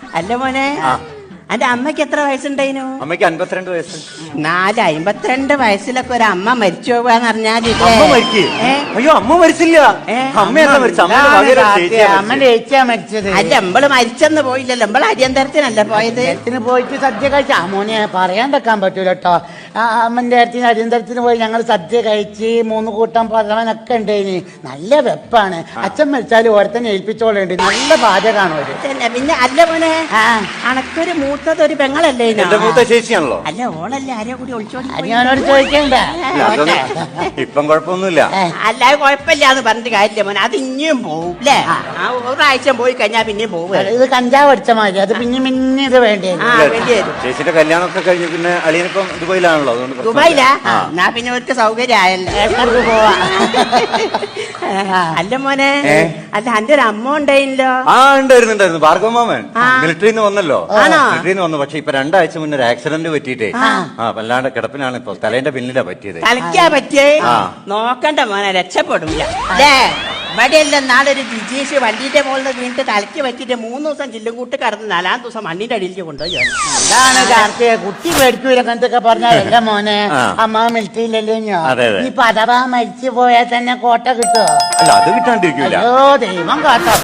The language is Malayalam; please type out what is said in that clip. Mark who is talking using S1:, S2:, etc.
S1: അല്ല മോനെ, അന്റെ അമ്മക്ക് എത്ര വയസ്സുണ്ടായിനു?
S2: അമ്മയ്ക്ക് 52 വയസ്സ്.
S1: 52 വയസ്സിലൊക്കെ ഒരു അമ്മ മരിച്ചു പോവാന്ന് പറഞ്ഞാല്
S2: അമ്മ മരിക്കേ? അയ്യോ, അമ്മ മരിച്ചില്ല. അമ്മയല്ല മരിച്ച,
S3: അമ്മന്റെ ചേച്ചിയാ മരിച്ചത്.
S1: അല്ല, നമ്മള് മരിച്ചെന്ന് പോയില്ലല്ലോ, നമ്മള് അരിയന്തരത്തിനല്ല പോയത്.
S3: പോയിട്ട് സദ്യ കഴിച്ച മോനെ പറയാണ്ടിരിക്കാൻ പറ്റൂല കേട്ടോ. അമ്മന്റെ അടുത്തിന് അരിയന്തരത്തിന് പോയി ഞങ്ങൾ സദ്യ കഴിച്ച് 3 കൂട്ടം പഴവനൊക്കെ ഉണ്ടായിന്. നല്ല വെപ്പാണ്. അച്ഛൻ മരിച്ചാലും ഓരത്തന്നെ ഏൽപ്പിച്ചോളുണ്ട്. നല്ല പാചകമാണ് അവര്.
S1: പിന്നെ അല്ല മോനെ, അണക്കൊരു മൂത്തത് ഒരു പെങ്ങളല്ലേ?
S2: മൂത്ത ചേച്ചിയാണല്ലോ.
S1: അല്ല, ഓളല്ലേ ആരെയോ കൂടി ഒളിച്ചോടി.
S3: ഞാനോട് ചോദിക്കണ്ട.
S2: ഇപ്പം കുഴപ്പമൊന്നുമില്ല.
S1: അല്ലാതെ കുഴപ്പമില്ലാന്ന് പറഞ്ഞിട്ട് കാര്യമില്ല മോനെ, അത് ഇനിയും പോവും അല്ലേ? ഒരാഴ്ച പോയി കഴിഞ്ഞാ പിന്നെയും പോവും.
S3: ഇത് കഞ്ചാവ് അടിച്ച മാതിരി, അത് പിന്നെ ഇത് വേണ്ടി
S2: ചേച്ചിയുടെ കല്യാണമൊക്കെ കഴിഞ്ഞു. പിന്നെ അളിയനിപ്പം ദുബായിലാണല്ലോ, അതുകൊണ്ട്
S1: ദുബായിലാ? എന്നാ പിന്നെ അവർക്ക് സൗകര്യം ആയല്ലോ, പോവാ. അല്ല മോനെ, അല്ല അന്റെ ഒരു അമ്മ ഉണ്ടായില്ലോ?
S2: ഉണ്ടായിരുന്നു. ഭാർഗവമാമൻ മിലിറ്ററിന്ന് വന്നല്ലോ. മിലിറ്ററിന്ന് വന്നു. പക്ഷെ ഇപ്പൊ 2 ആഴ്ച മുന്നേ ഒരു ആക്സിഡന്റ് പറ്റിയിട്ടേ വല്ലാണ്ട് കിടപ്പിനാണ്. ഇപ്പൊ തലേന്റെ പിന്നിലാ പറ്റിയത്.
S1: തലയ്ക്കാ പറ്റിയേ? നോക്കണ്ട മോനെ, രക്ഷപ്പെടില്ല അല്ലേ? ഇവിടെയെല്ലാം നാളൊരു ജിജീഷ് വണ്ടിന്റെ മുകളിൽ വീണിട്ട് തലയ്ക്ക് പറ്റിയിട്ട് 3 ദിവസം ചില്ലും കൂട്ട് കടന്ന് 4-ാം ദിവസം മണ്ണിന്റെ അടിയിലേക്ക് കൊണ്ടുപോയി.
S3: അതാണ് കാർത്തിക. കുട്ടി പേടിക്കൂല അങ്ങനത്തൊക്കെ പറഞ്ഞല്ല മോനെ. അമ്മ മിലിറ്ററിയിലല്ലേ ഞാൻ. ഇപ്പൊ അഥവാ മരിച്ചു പോയാൽ തന്നെ കോട്ട കിട്ടുമോ?
S2: അല്ല, അത് കിട്ടാണ്ടിരിക്കൂല.
S3: ദൈവം കാട്ടോ.